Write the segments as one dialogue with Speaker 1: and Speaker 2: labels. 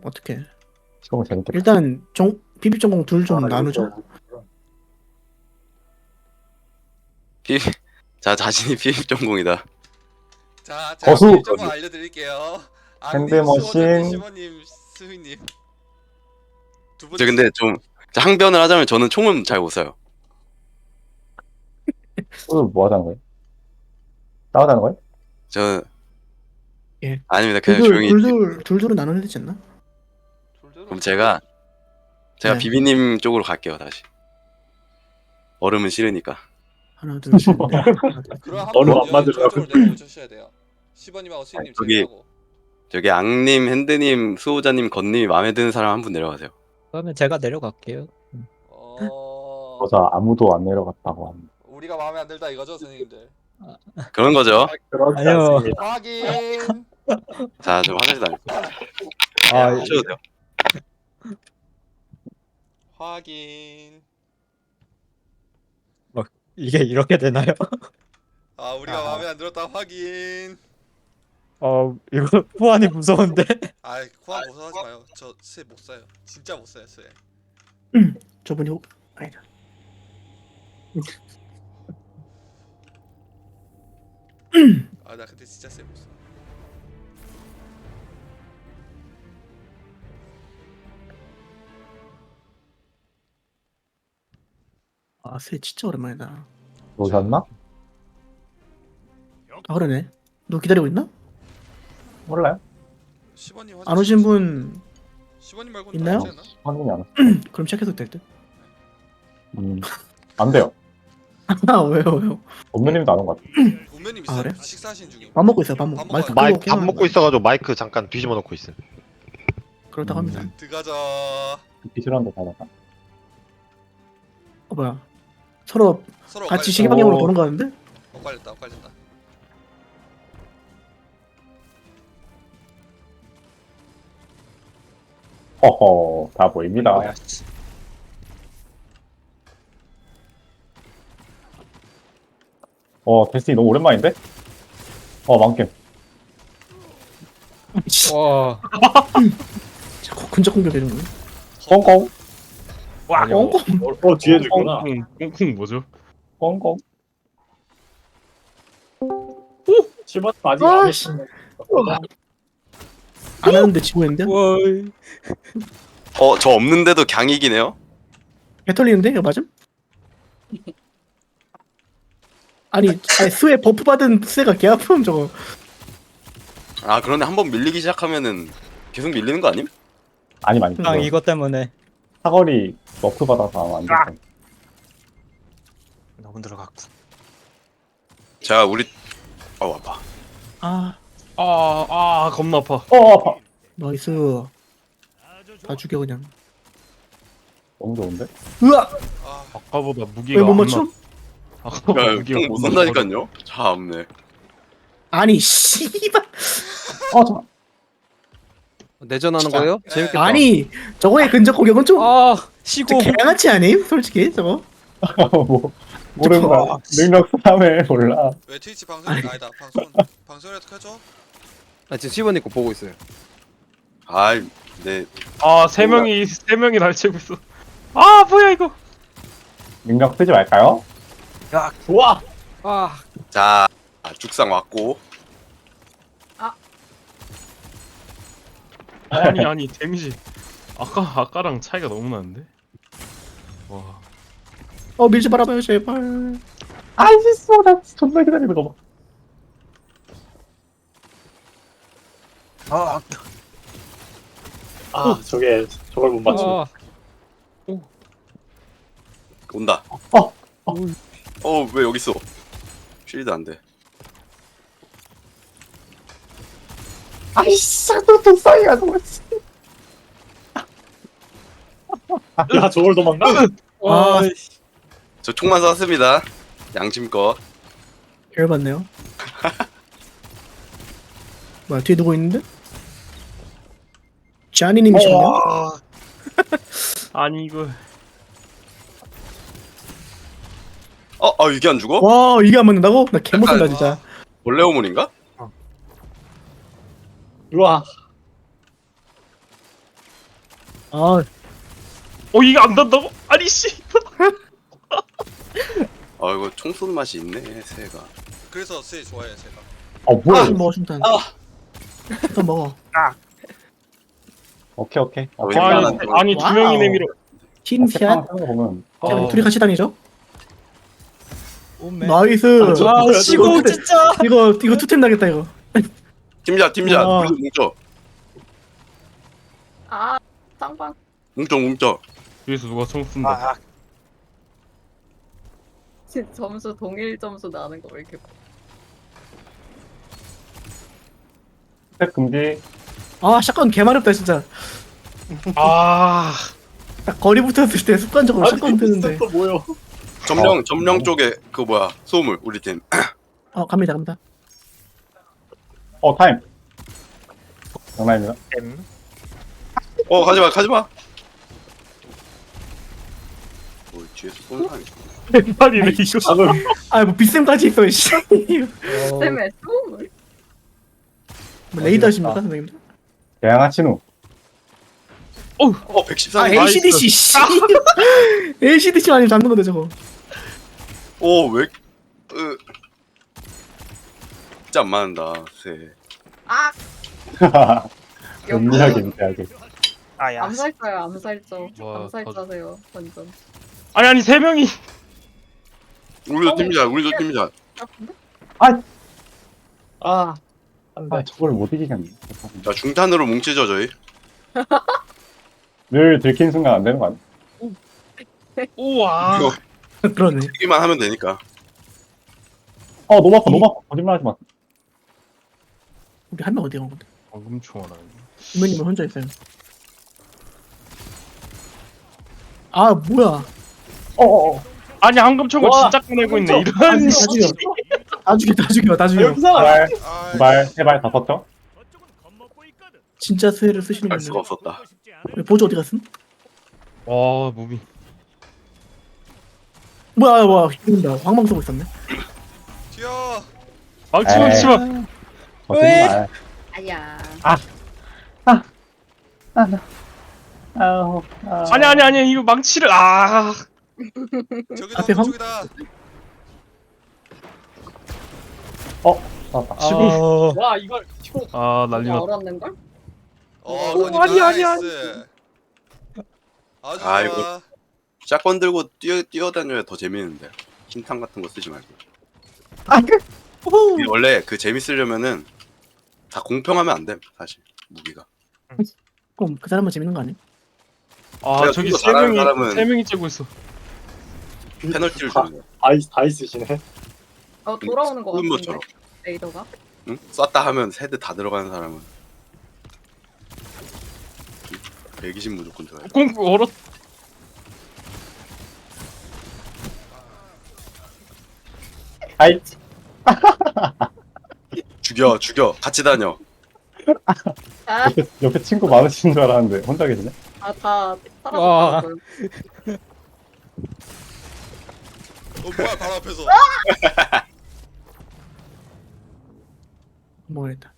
Speaker 1: 어떻게?
Speaker 2: 저거 재밌겠다.
Speaker 1: 일단 비비 전공 둘 좀 나누죠.
Speaker 3: 피 자 자신이 피입 전공이다.
Speaker 4: 자, 제가
Speaker 2: 거수!
Speaker 4: 비밀 정보 알려드릴게요.
Speaker 2: 핸드머신.
Speaker 4: 수호자님, 시모님, 스휘님 두 분.
Speaker 3: 저 근데 좀 항변을 하자면 저는 총은 잘 못 쏴요.
Speaker 2: 오늘 뭐 하자는 거예요? 싸우자는 거예요?
Speaker 3: 저
Speaker 1: 예.
Speaker 3: 아닙니다. 그냥 조용히.
Speaker 1: 둘둘은 나눠야 되지 않나?
Speaker 3: 그럼 제가
Speaker 1: 네.
Speaker 3: 비비님 쪽으로 갈게요 다시. 얼음은 싫으니까.
Speaker 1: 하나 둘 셋. 넷. 하나, 둘,
Speaker 4: 그럼 한
Speaker 2: 어느
Speaker 4: 분
Speaker 2: 안 맞으려고.
Speaker 4: 저쪽으로 내려오셔야 돼요. 시버님하고 스휘님
Speaker 3: 저기-
Speaker 4: 제외하고.
Speaker 3: 저기 앙님, 핸드님, 수호자님, 건님이 마음에 드는 사람 한 분 내려가세요.
Speaker 5: 그러면 제가 내려갈게요.
Speaker 2: 저자 아무도 안 내려갔다고 합니다.
Speaker 4: 우리가 마음에 안 들다 이거죠, 선생님들.
Speaker 3: 그런 거죠.
Speaker 2: 그렇지
Speaker 5: 아니요.
Speaker 2: 않습니다.
Speaker 4: 확인.
Speaker 3: 자, 좀 화장실 다녀.
Speaker 5: 아,
Speaker 3: 하셔도 돼요.
Speaker 4: 확인.
Speaker 5: 이게 이렇게 되나요?
Speaker 4: 아, 우리가 마음에 안 들었다. 확인.
Speaker 5: 이거 후환이 무서운데.
Speaker 4: 아, 코안 무서워하지 마요. 저 쇠 못 사요. 진짜 못 사요, 쇠.
Speaker 1: 저분이 아니다.
Speaker 4: 아, 나 근데 진짜 쇠 못 사.
Speaker 1: 새 진짜 오랜만이다.
Speaker 2: 오셨나?
Speaker 1: 아 그러네. 너 기다리고 있나?
Speaker 2: 몰라요?
Speaker 4: 시버님
Speaker 1: 안 오신 분
Speaker 4: 시버님 말고는
Speaker 1: 있나요?
Speaker 4: 다 오지 않나?
Speaker 2: 확인이 안 왔어.
Speaker 1: 그럼 체크해도 될 듯.
Speaker 2: 안 돼요.
Speaker 1: 아 왜요?
Speaker 2: 엄누님도 안 온 것 같아.
Speaker 4: 운명님
Speaker 1: 아,
Speaker 4: 있어요.
Speaker 1: 그래?
Speaker 4: 식사하신 중임.
Speaker 1: 밥 먹고 있어요. 밥 먹고.
Speaker 4: 밥
Speaker 1: 마이크
Speaker 4: 먹어요.
Speaker 1: 끄고
Speaker 6: 밥
Speaker 1: 게임하는
Speaker 6: 먹고
Speaker 1: 거야.
Speaker 6: 있어가지고 마이크 잠깐 뒤집어 놓고 있음.
Speaker 1: 그렇다고 합니다.
Speaker 4: 들어가자.
Speaker 2: 비실한데 받았다.
Speaker 1: 뭐야? 서로
Speaker 4: 서로
Speaker 1: 같이
Speaker 4: 엇갈렸다.
Speaker 1: 시계 방향으로
Speaker 2: 오.
Speaker 1: 도는 거 같은데?
Speaker 4: 엇갈렸다. 엇갈렸다.
Speaker 2: 허허, 다 보입니다. 데스티 너무 오랜만인데? 망겜.
Speaker 5: 와,
Speaker 1: 자꾸 근접 공격되는 거야.
Speaker 2: 꽁꽁,
Speaker 7: 와,
Speaker 1: 꽁꽁.
Speaker 7: 뒤에도 있구나.
Speaker 6: 꽁꽁 뭐죠?
Speaker 2: 꽁꽁.
Speaker 7: 시범 아직
Speaker 1: 아,
Speaker 7: 안
Speaker 1: 씨.
Speaker 7: 했는데.
Speaker 1: 안 하는데 지고 있는데?
Speaker 5: 와,
Speaker 3: 저 없는데도 강이기네요.
Speaker 1: 개 털리는데? 이거 맞음? 아니 스에 버프 받은 스가 개 아픔 저거.
Speaker 3: 아 그런데 한번 밀리기 시작하면은 계속 밀리는 거 아님?
Speaker 2: 아니,
Speaker 5: 그냥 이것 때문에.
Speaker 2: 사거리 너프 받아서 안 됐어.
Speaker 6: 너무 들어갔고.
Speaker 3: 자 우리 아파.
Speaker 1: 아
Speaker 6: 겁나 아파.
Speaker 2: 아파.
Speaker 1: 나이스. 다 죽여 그냥.
Speaker 2: 너무 좋은데?
Speaker 1: 으아!
Speaker 4: 아,
Speaker 6: 아까보다 무기가
Speaker 1: 왜 못 맞춤?
Speaker 6: 아까보다 무기가
Speaker 3: 못 쏜다니까요. 참네.
Speaker 1: 아니 씨발.
Speaker 2: 잠깐.
Speaker 8: 내전하는 거예요? 재밌겠다.
Speaker 1: 아니 저거의 근접 공격은 좀
Speaker 5: 시고.
Speaker 1: 개같이 아님? 솔직히 저거.
Speaker 2: 뭐, 모르는구나. 능력 3회 몰라.
Speaker 4: 왜 트위치 방송 아니다. 방송이라도 켜줘.
Speaker 8: 지금 시버님 거 보고 있어요.
Speaker 3: 아이 네.
Speaker 6: 세 명이 날 치고 있어. 아 뭐야 이거?
Speaker 2: 능력 쓰지 말까요?
Speaker 7: 좋아.
Speaker 3: 자 죽상 왔고.
Speaker 6: 아니 데미지. 아까랑 차이가 너무 나는데. 와.
Speaker 1: 밀지 말아봐요 제발.
Speaker 2: 아이씨, 나 존나 기다리는 거 봐.
Speaker 7: 저걸 못 맞추.
Speaker 3: 온다. 왜 여기 있어? 쉴드 안 돼.
Speaker 2: 아이씨, 또 독성이가 너무 씨.
Speaker 7: 야, 저걸 도망가?
Speaker 3: 저 총만 쐈습니다. 양심껏.
Speaker 1: 열받네요. 뭐야 뒤에 누구 있는데? 샤니님이시네요.
Speaker 6: 아니 이거.
Speaker 3: 이게 안 죽어?
Speaker 1: 와 이게 안 맞는다고? 나 개못한다 진짜.
Speaker 3: 원래 오문인가?
Speaker 7: 우와.
Speaker 1: 아,
Speaker 6: 이게 안 단다고? 아니 씨.
Speaker 3: 아 이거 총 쏘는 맛이 있네 새가.
Speaker 4: 그래서 새 좋아해요 제가.
Speaker 2: 뭐야.
Speaker 1: 술 먹어, 순탄. 순탄 먹어.
Speaker 2: 오케이, 오케이.
Speaker 3: 어,
Speaker 2: 오케이.
Speaker 3: 웬만한
Speaker 6: 아니,
Speaker 3: 거.
Speaker 6: 아니 두 명이 내밀어.
Speaker 1: 팀샷.
Speaker 2: 하는 거 보면.
Speaker 1: 자, 둘이 같이 다니죠?
Speaker 5: 오메.
Speaker 1: 나이스.
Speaker 5: 아 시고 진짜.
Speaker 1: 이거 투템 나겠다, 이거.
Speaker 3: 팀자
Speaker 1: 와.
Speaker 3: 우리 뭉쳐
Speaker 9: 아, 쌍방.
Speaker 3: 뭉쳐.
Speaker 6: 뒤에서 누가 총 쏜다.
Speaker 9: 점수 동일 점수 나는 거 왜 이렇게
Speaker 2: 스텝 금지.
Speaker 1: 아, 샷건 개마렵다, 진짜.
Speaker 6: 아,
Speaker 1: 딱 거리 붙었을 때 습관적으로 샷건 뜨는데.
Speaker 7: 또 뭐요?
Speaker 3: 점령 쪽에 그 뭐야 소음을 우리 팀.
Speaker 1: 갑니다, 갑니다.
Speaker 2: 타임. 장난입니다.
Speaker 3: 가지마. 뭐 뒤에서 쏘는 사람이 있어.
Speaker 6: 왼팔이네 이거.
Speaker 1: 아, 뭐 빗샘까지 있어, 씨.
Speaker 9: 때문에 소음을.
Speaker 1: 뭐 레이더 하십니까, 선생님들?
Speaker 2: 대양아 친우.
Speaker 3: 114.
Speaker 1: 아, ACDC, 씨. ACDC 아니면 잡는 건데, 저거.
Speaker 3: 오왜 진짜 안 맞는다 새.
Speaker 9: 아,
Speaker 2: 은밀하게, 은밀하게.
Speaker 5: 아야.
Speaker 9: 암살자요, 암살자.
Speaker 6: 와,
Speaker 9: 암살자세요, 완전.
Speaker 6: 아니 세 명이.
Speaker 3: 우리도 팀이자.
Speaker 7: 아, 안 돼.
Speaker 2: 저걸 못 이기겠네.
Speaker 3: 자 중탄으로 뭉치죠 저희.
Speaker 2: 늘 들킨 순간 안 되는 거 아니야?
Speaker 6: 우와.
Speaker 3: 이거
Speaker 1: 그러네.
Speaker 3: 뛰기만 하면 되니까.
Speaker 2: 너무 아파. 거짓말 하지 마.
Speaker 1: 우리 한 명 어디 간 건데?
Speaker 6: 방금 총알아.
Speaker 1: 이모님은 혼자 있어요. 아, 뭐야.
Speaker 6: 아니 황금총을
Speaker 7: 와,
Speaker 6: 진짜 꺼내고 있네.
Speaker 7: 황금총.
Speaker 6: 이런.
Speaker 1: 다 죽여. 다 죽여.
Speaker 7: 여기서
Speaker 2: 제발 다 썼죠?
Speaker 1: 진짜 수혜를 쓰시는
Speaker 3: 알 수가
Speaker 1: 분들.
Speaker 3: 없었다.
Speaker 1: 보조 어디 갔음?
Speaker 6: 와 무비.
Speaker 1: 뭐야, 죽는다. 황망 쏘고 있었네.
Speaker 4: 튀어.
Speaker 6: 망치 마.
Speaker 2: 거짓말.
Speaker 9: 아야.
Speaker 6: 아니 이거 망치를
Speaker 4: 저기다
Speaker 1: 앞에 황-
Speaker 4: 저기다.
Speaker 2: 맞다.
Speaker 7: 와, 이걸 치고.
Speaker 6: 난리 났다.
Speaker 9: 얼었는걸?
Speaker 4: 언니
Speaker 6: 아니.
Speaker 4: 나이스. 아주
Speaker 3: 아,
Speaker 4: 좋아.
Speaker 3: 이거- 샷건 들고 뛰어다녀야 더 재밌는데. 흰탕 같은 거 쓰지 말고. 이게 원래 그 재밌으려면은 다 공평하면 안 돼. 사실 무기가.
Speaker 1: 그럼 그 사람은 재밌는 거 아니야?
Speaker 3: 내가
Speaker 6: 저기
Speaker 3: 좀더
Speaker 6: 세
Speaker 3: 잘하는
Speaker 6: 명이
Speaker 3: 사람은-
Speaker 6: 세 명이 째고 있어.
Speaker 3: 페널티를 주는 거야.
Speaker 7: 다 있으시네.
Speaker 9: 돌아오는 거 같은데.
Speaker 3: 흠모처럼.
Speaker 9: 레이더가.
Speaker 3: 응? 쐈다 하면 세대 다 들어가는 사람은 120 무조건 줘야 돼.
Speaker 6: 공 얼었.
Speaker 3: 죽여 같이 다녀.
Speaker 9: 아,
Speaker 2: 옆에 친구 많으신 줄 알았는데 혼자 계시네?
Speaker 9: 다
Speaker 5: 와.
Speaker 9: 사라졌다고요.
Speaker 4: 뭐야 바로 앞에서.
Speaker 1: 모르겠다.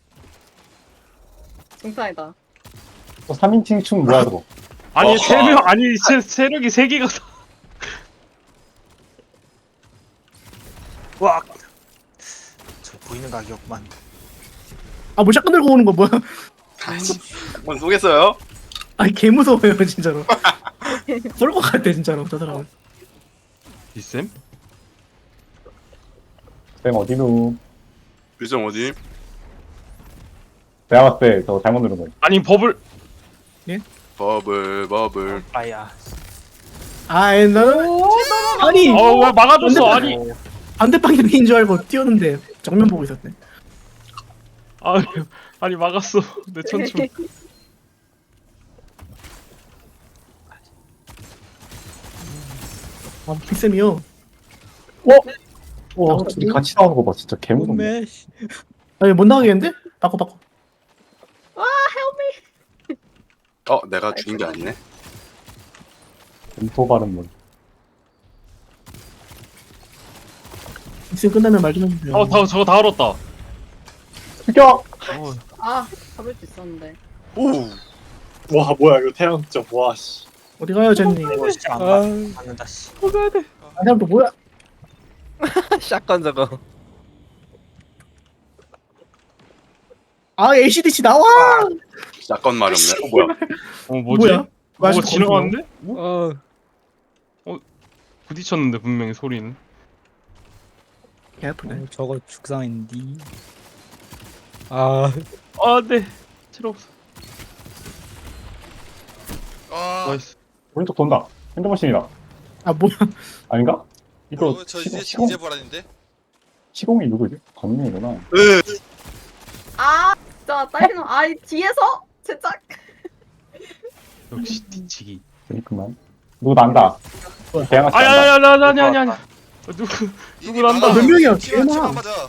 Speaker 9: 중탄이다.
Speaker 2: 3인칭 춤 뭐야 저거?
Speaker 6: 아니 세력이 세 개가.
Speaker 5: 와. 저 보이는 가격만.
Speaker 1: 아, 뭐 샷건 들고 오는 거 뭐야?
Speaker 3: 한번 쏘겠어요?
Speaker 1: 아니, 개 무서워요, 진짜로. 쏠 것 같아, 진짜로, 저 사람은.
Speaker 6: 비쌤?
Speaker 2: 쌤 어디누?
Speaker 3: 빌정 어디?
Speaker 2: 내가 봤을 때 저거 잘못 누른 거야.
Speaker 6: 아니 버블.
Speaker 3: 버블.
Speaker 5: 아야.
Speaker 1: 아이, 나는. 아니,
Speaker 6: 왜 막아줬어? 아니.
Speaker 1: 반대 방향인 줄 알고 뛰었는데, 정면 보고 있었네.
Speaker 6: 아니 막았어. 내 천춤.
Speaker 1: 아, 빅쌤이요.
Speaker 2: 와, 둘이 같이 나오는 거 봐. 진짜 개무섭네.
Speaker 5: 오메.
Speaker 1: 아니, 못 나가겠는데? 바꿔.
Speaker 3: 내가 죽인 게 아니네.
Speaker 2: 엠토 발음 뭐.
Speaker 1: 빅쌤 끝나면 말 좀 해주세요.
Speaker 6: 저거 다 얼었다.
Speaker 2: 죽여!
Speaker 9: 아, 잡을 수 있었는데.
Speaker 3: 오.
Speaker 7: 와 뭐야 이거 태양 득점. 와 씨.
Speaker 1: 어디 가요 젠니?
Speaker 5: 이거 진짜 안 가. 맞는다 씨.
Speaker 1: 아 사람 또 뭐야?
Speaker 8: 샷건 저거.
Speaker 1: 아 ACDC 나와!
Speaker 3: 약간 말이 없네. 뭐야?
Speaker 6: 뭐지?
Speaker 1: 뭐야?
Speaker 6: 뭐가
Speaker 1: 아직도
Speaker 6: 지나갔는데?
Speaker 8: 어.
Speaker 6: 부딪혔는데 분명히 소리는.
Speaker 1: 개 아프네.
Speaker 5: 저거 죽상인디. 아,
Speaker 6: 네. 필요 없어.
Speaker 4: 아,
Speaker 6: 나이스.
Speaker 2: 오른쪽 돈다. 핸드머신이다.
Speaker 1: 아 뭐야?
Speaker 2: 아닌가? 이거
Speaker 4: 저 이제
Speaker 2: 시공,
Speaker 4: 이제 보라는데.
Speaker 2: 시공이 누구지? 건명이구나.
Speaker 9: 아 진짜 딸기놈. 아 뒤에서 제작.
Speaker 6: 역시 뒤치기.
Speaker 2: 그렇구만. 누구 난다. 대양아씨 난다.
Speaker 6: 아니. 누구 난다.
Speaker 1: 몇 명이야?
Speaker 4: 치마
Speaker 1: 개나.
Speaker 4: 맞아.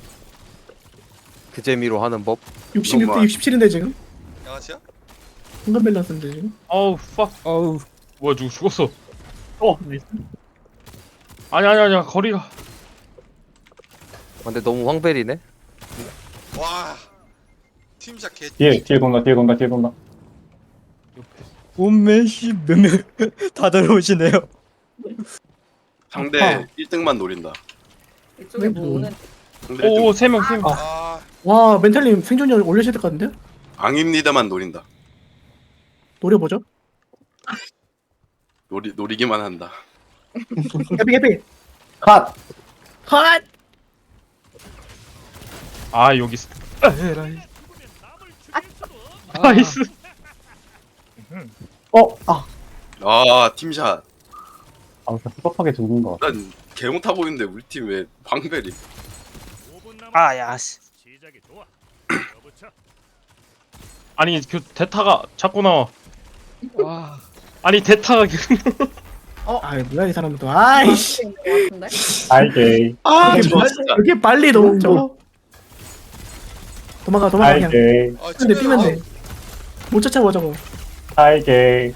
Speaker 8: 그 재미로 하는 법.
Speaker 1: 66대 67인데 지금?
Speaker 4: 양아치야?
Speaker 1: 순간 밸런스인데 지금?
Speaker 6: 어우 팍.
Speaker 5: 어우,
Speaker 6: 뭐야 누구 죽었어. 아니야 거리가.
Speaker 8: 근데 너무 황벨이네.
Speaker 4: 와. 팀샷 개.
Speaker 2: 뒤에 돈다.
Speaker 5: 온메시 몇명다 들어오시네요.
Speaker 3: 상대
Speaker 1: 아파.
Speaker 3: 1등만 노린다.
Speaker 9: 이쪽에 뭐 오는.
Speaker 3: 상대 1등
Speaker 6: 오 3명.
Speaker 4: 아,
Speaker 1: 와 멘탈님 생존율 올려야 될 것 같은데?
Speaker 3: 앙임 리더만 노린다.
Speaker 1: 노려보죠.
Speaker 3: 노리기만 한다.
Speaker 1: 해피
Speaker 2: 컷!
Speaker 1: 컷!
Speaker 6: 아 여기 있어. 나이스.
Speaker 3: 팀샷.
Speaker 2: 그냥 섭섭하게 죽은 거.
Speaker 3: 난 개못하고 있는데 우리 팀 왜 황벨이?
Speaker 5: 아, 야 씨.
Speaker 6: 아니 그 대타가 자꾸 나와. 아니 대타가
Speaker 1: 아 뭐야 이 사람은 또 아이씨
Speaker 9: 같은데?
Speaker 2: 알게.
Speaker 1: 아
Speaker 3: 이게
Speaker 1: 뭐야,
Speaker 3: 진짜.
Speaker 1: 이렇게 빨리 너 저거 도망가 그냥
Speaker 2: 알게.
Speaker 4: 아
Speaker 1: 근데 뛰면 돼못 쫓아와 저거
Speaker 2: 알게.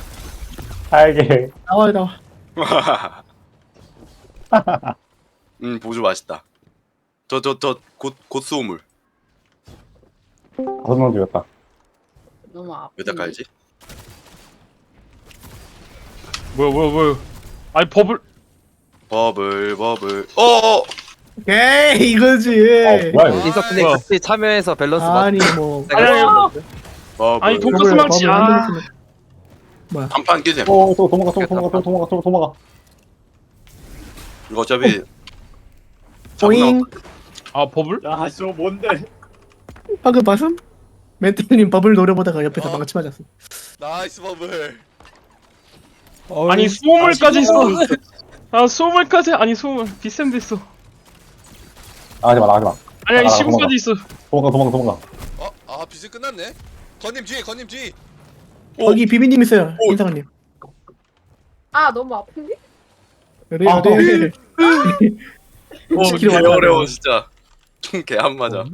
Speaker 1: 나와
Speaker 3: 보조 맛있다. 곧 수호물.
Speaker 2: 5명 죽였다.
Speaker 9: 너무 아프.
Speaker 3: 왜 다 깔지?
Speaker 6: 뭐야. 아니 버블.
Speaker 3: 버블. 어어.
Speaker 1: 오케이 이거지
Speaker 2: 뭐야 이거?
Speaker 8: 인서트님
Speaker 6: 뭐야.
Speaker 8: 같이 참여해서 밸런스
Speaker 1: 아니
Speaker 8: 맞.
Speaker 1: 뭐
Speaker 3: 버블.
Speaker 6: 아니, 돈가스 망치.
Speaker 3: 단판 끼셈.
Speaker 2: 또 도망가.
Speaker 3: 이거 어차피
Speaker 1: 보잉
Speaker 6: 아 버블?
Speaker 7: 야저 뭔데?
Speaker 1: 방금 봤음? 멘탈님 버블 노려보다가 옆에서 망치 맞았어
Speaker 4: 나이스 버블.
Speaker 6: 아니 수호물까지 있어. 아 수호물까지 아니 수호물 비쌤도 있어.
Speaker 2: 나가지마.
Speaker 6: 아니
Speaker 2: 도망가.
Speaker 6: 시공까지 있어.
Speaker 2: 도망가.
Speaker 4: 아 비스 끝났네. 건님 뒤에.
Speaker 1: 거기 비비님 있어요 인상님
Speaker 9: 아 너무 아픈데?
Speaker 1: 그래 어디
Speaker 3: 개 어려워 진짜. 개 안 맞아.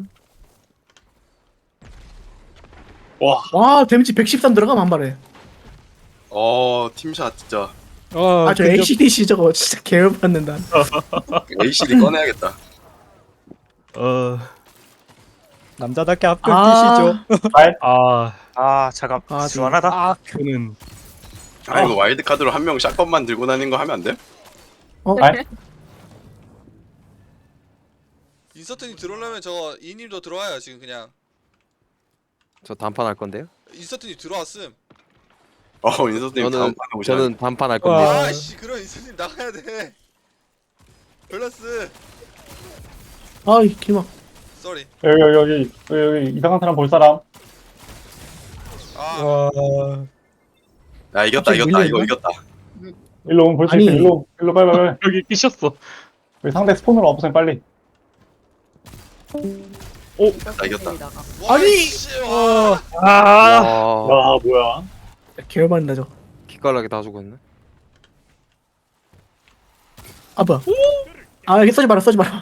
Speaker 1: 와 데미지 113 들어가면 한 발에
Speaker 3: 팀샷 진짜.
Speaker 1: 아저 ACDC 저거 진짜 개열 받는다
Speaker 3: ACD 꺼내야겠다.
Speaker 5: 남자답게 앞을
Speaker 1: 아.
Speaker 5: 뛰시죠.
Speaker 6: 아
Speaker 5: 잠깐.
Speaker 1: 아,
Speaker 5: 시원하다.
Speaker 6: 그는
Speaker 3: 이거 와일드 카드로 한 명 샷건만 들고 다니는 거 하면 안 돼?
Speaker 4: 인서트님 들어오려면 저 이님도 들어와요 지금 그냥.
Speaker 8: 저 단판 할 건데요.
Speaker 4: 인서트님 들어왔음.
Speaker 3: 인서트님 다음 판에 오셔야
Speaker 8: 저는 단판 할 건데.
Speaker 4: 아씨 그럼 인서트님 나가야 돼. 밸런스.
Speaker 1: 아이 기막
Speaker 4: 쏘리.
Speaker 2: 여기 이상한 사람 볼 사람.
Speaker 4: 아
Speaker 3: 야 이겼다. 이거 이겼다.
Speaker 2: 일로 오면 볼 수
Speaker 1: 아니.
Speaker 2: 있어. 일로 빨리.
Speaker 6: 여기 끼셨어.
Speaker 2: 여기 상대 스폰으로 없으면 빨리.
Speaker 3: 이겼다.
Speaker 1: 아니!
Speaker 4: 와.
Speaker 6: 아
Speaker 7: 뭐야?
Speaker 1: 개열 받는다 저거
Speaker 8: 기깔나게 다 죽었네.
Speaker 1: 아 뭐야 아 여기 써지 마라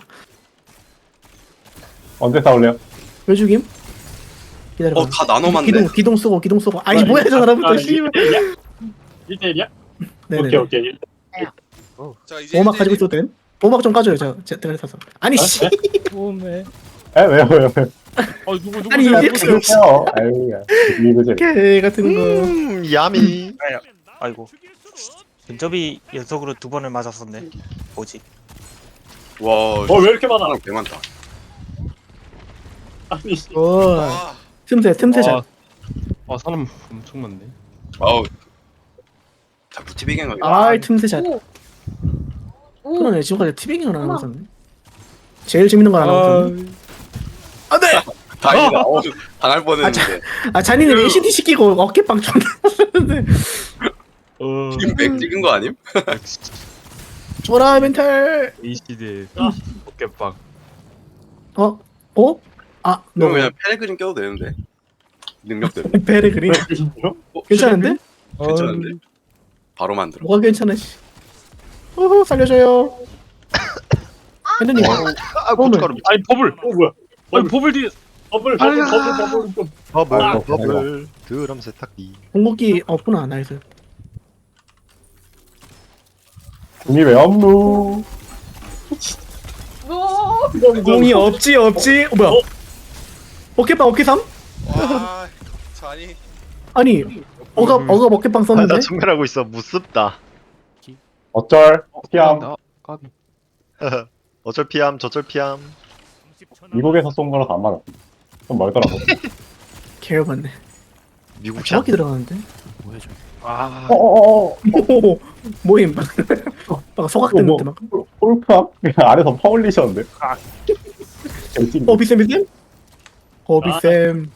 Speaker 2: 언제 싸울래요?
Speaker 1: 왜 죽임? 기다려봐
Speaker 3: 다 나눠맞네.
Speaker 1: 기동 쏘고 아니 뭐야 저 사람부터 씨발
Speaker 7: 1대1이야?
Speaker 1: 네네
Speaker 7: 오케이.
Speaker 4: 자 이제
Speaker 1: 보호막 가지고 있어도 됨? 보호막 좀 까줘요 제가 사서 아니 씨
Speaker 5: 몸에.
Speaker 2: 왜요?
Speaker 6: 누구세요?
Speaker 1: 아니, 이게
Speaker 2: 누구세요? 아유, 야. 이거 제
Speaker 1: 개 같은 거.
Speaker 10: 야미.
Speaker 5: 아이고. 근접이 연속으로 2번을 맞았었네. 뭐지?
Speaker 3: 와,
Speaker 7: 왜 이렇게 많아?
Speaker 3: 사람 개 많다.
Speaker 7: 아니
Speaker 1: 와. 틈새 잘.
Speaker 6: 사람 엄청 많네.
Speaker 3: 아우. 다 무티비갱 하네.
Speaker 1: 아이 틈새 잘.
Speaker 9: 오. 오.
Speaker 1: 그러네 지금까지 티빙을 안 하고 있었네. 제일 재밌는 거 안 하고 있었네. 안돼.
Speaker 3: 다행이다. 당할 뻔했는데.
Speaker 1: 아 잔이는 ACD 시키고 어깨빵 존나 썼는데.
Speaker 3: 지금 백 찍은 거 아님?
Speaker 1: 줘라 멘탈.
Speaker 6: ACD의 어깨빵.
Speaker 1: 어? 어? 아,
Speaker 3: 그럼
Speaker 1: 너
Speaker 3: 그냥 페레그린 껴도 되는데. 능력대로.
Speaker 1: 배를 그리. 괜찮은데?
Speaker 3: 괜찮은데? 바로 만들어.
Speaker 1: 뭐가 괜찮아 씨. 살려줘요. 핸드님.
Speaker 10: 고춧가루.
Speaker 6: 아니 버블.
Speaker 7: 뭐야?
Speaker 6: 아니 버블 뒤에.
Speaker 7: 버블 좀.
Speaker 10: 버블. 드럼 세탁기.
Speaker 1: 공격기 없구나 나이스.
Speaker 2: 공이 왜 없노?
Speaker 9: 오.
Speaker 1: 공이 없지. 뭐야? 어깨빵 어깨삼?
Speaker 4: 와 잔이
Speaker 1: 아니 어가 어깨빵 썼는데?
Speaker 10: 나 전멸하고 있어. 무섭다.
Speaker 2: 어쩔 피함.
Speaker 6: 까비.
Speaker 10: 어쩔 피함 저쩔 피함.
Speaker 2: 미국에서 쏜 거라서 안 맞았어. 좀 멀더라고.
Speaker 1: 개열받네.
Speaker 10: 미국 샷.
Speaker 1: 정확히 들어가는데?
Speaker 6: 아.
Speaker 1: 오, 모임 막 소각됐는데 막.
Speaker 2: 폴프함? 아래서 퍼올리셨는데.
Speaker 1: 비쌤? 비쌤.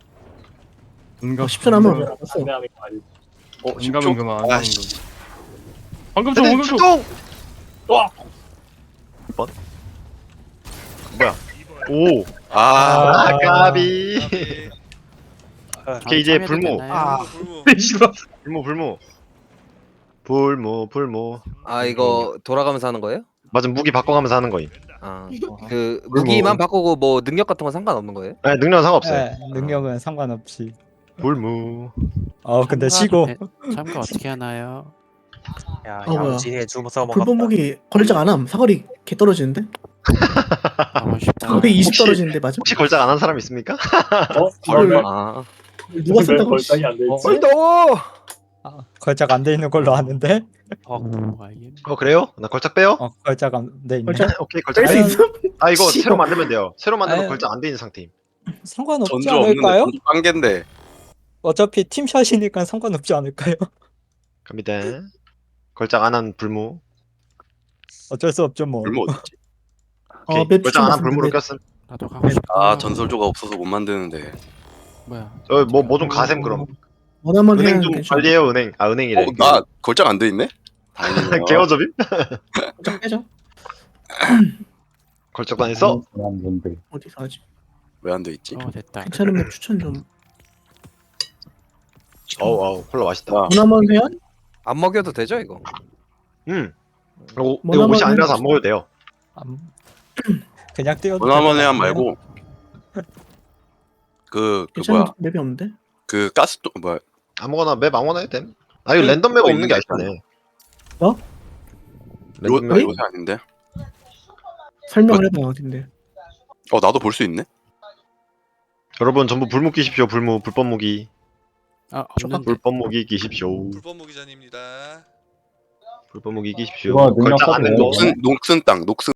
Speaker 1: 10초 남으면 알았어.
Speaker 7: 안내하는 거 아니지?
Speaker 6: 인감은 그만. 안 하는
Speaker 3: 아씨.
Speaker 6: 거. 방금 좀 방금 좀.
Speaker 10: 출동.
Speaker 7: 와.
Speaker 10: 번. 뭐야? 오.
Speaker 3: 아,
Speaker 10: 까비.
Speaker 4: 네.
Speaker 10: 오케이 이제 불모.
Speaker 4: 불무
Speaker 10: 불모.
Speaker 8: 아 이거 돌아가면서 하는 거예요?
Speaker 10: 맞아 무기 바꿔가면서 하는 거임.
Speaker 8: 아 그 무기만 바꾸고 뭐 능력 같은 건 상관없는 거예요?
Speaker 10: 네, 능력은 상관없어요.
Speaker 5: 네, 능력은 상관없이.
Speaker 10: 불무.
Speaker 5: 근데 쉬고.
Speaker 11: 참가 어떻게 하나요?
Speaker 5: 야,
Speaker 1: 뭐야.
Speaker 5: 야무지게 주워서 먹었다.
Speaker 1: 불법무기 걸작 안함. 사거리 개 떨어지는데?
Speaker 11: 하고 싶다.
Speaker 1: 사거리 20 떨어지는데 맞아?
Speaker 10: 혹시 걸작 안 한 사람 있습니까?
Speaker 8: 아
Speaker 1: 누가
Speaker 7: 왜
Speaker 1: 쓴다고?
Speaker 7: 걸작이 안 되지?
Speaker 8: 더워.
Speaker 5: 걸작 안 돼 있는 걸로 아는데?
Speaker 10: 그래요? 나 걸작 빼요?
Speaker 5: 걸작 안 돼 있네.
Speaker 1: 걸작
Speaker 10: 오케이 걸작
Speaker 1: 뺄수
Speaker 10: 빼요.
Speaker 1: 있어?
Speaker 10: 아 이거
Speaker 1: 씨발.
Speaker 10: 새로 만들면 돼요. 새로 만들면
Speaker 5: 아유.
Speaker 10: 걸작 안 돼 있는 상태임.
Speaker 5: 상관없지
Speaker 3: 전조 없는데
Speaker 5: 않을까요?
Speaker 3: 전조 빵개인데.
Speaker 5: 어차피 팀샷이니까 상관없지 않을까요?
Speaker 10: 갑니다. 걸작 안 한 불무.
Speaker 5: 어쩔 수 없죠 뭐.
Speaker 3: 불모 어딨지?
Speaker 10: 오케이.
Speaker 1: 맵
Speaker 10: 걸작 안 한
Speaker 1: 추천
Speaker 10: 불무로
Speaker 1: 봤는데.
Speaker 10: 꼈음.
Speaker 11: 나도 가고 싶다.
Speaker 3: 아, 전설조가 없어서 못 만드는데.
Speaker 11: 뭐야?
Speaker 10: 뭐 좀 가셈 그럼.
Speaker 1: 원하면 해야
Speaker 10: 은행 좀
Speaker 1: 괜찮아.
Speaker 10: 관리해요 은행. 아 은행이래.
Speaker 3: 나 걸작 안 돼 있네? 다행이네요.
Speaker 10: 개어접임?
Speaker 1: 걸작 빼죠.
Speaker 10: 걸작도 안 했어?
Speaker 2: 뭔데?
Speaker 1: 어디서 하지?
Speaker 3: 왜 안 돼 있지?
Speaker 11: 됐다.
Speaker 1: 괜찮은 맵 추천 좀.
Speaker 10: 어우 콜라 맛있다.
Speaker 1: 원하면 회원?
Speaker 8: 안 먹여도 되죠 이거?
Speaker 10: 이거
Speaker 1: 뭐나
Speaker 10: 옷이
Speaker 1: 먹으면
Speaker 10: 아니라서 안 먹어도 돼요.
Speaker 5: 그냥 뛰어도
Speaker 3: 원하면
Speaker 5: 될것
Speaker 3: 해안
Speaker 5: 같아요.
Speaker 3: 말고 그
Speaker 1: 괜찮은
Speaker 3: 뭐야
Speaker 1: 맵이 없는데?
Speaker 3: 그 가스통 뭐야
Speaker 10: 아무거나 맵 아무거나 해도 됨. 아 이거 랜덤 맵 없는 게 아쉽네.
Speaker 1: 어?
Speaker 10: 랜덤 맵.
Speaker 3: 요새 아닌데?
Speaker 1: 설명을 해봐 어딘데?
Speaker 3: 나도 볼 수 있네?
Speaker 10: 여러분 전부 불무 끼십시오. 불무 불법 무기.
Speaker 11: 아 없는데.
Speaker 10: 불법 무기 끼십시오.
Speaker 4: 불법 무기전입니다.
Speaker 10: 불법 무기 끼십시오.
Speaker 2: 이거 능력
Speaker 10: 걸작 안
Speaker 2: 써도
Speaker 10: 된
Speaker 2: 돼요?
Speaker 10: 거.
Speaker 3: 녹슨 땅 녹슨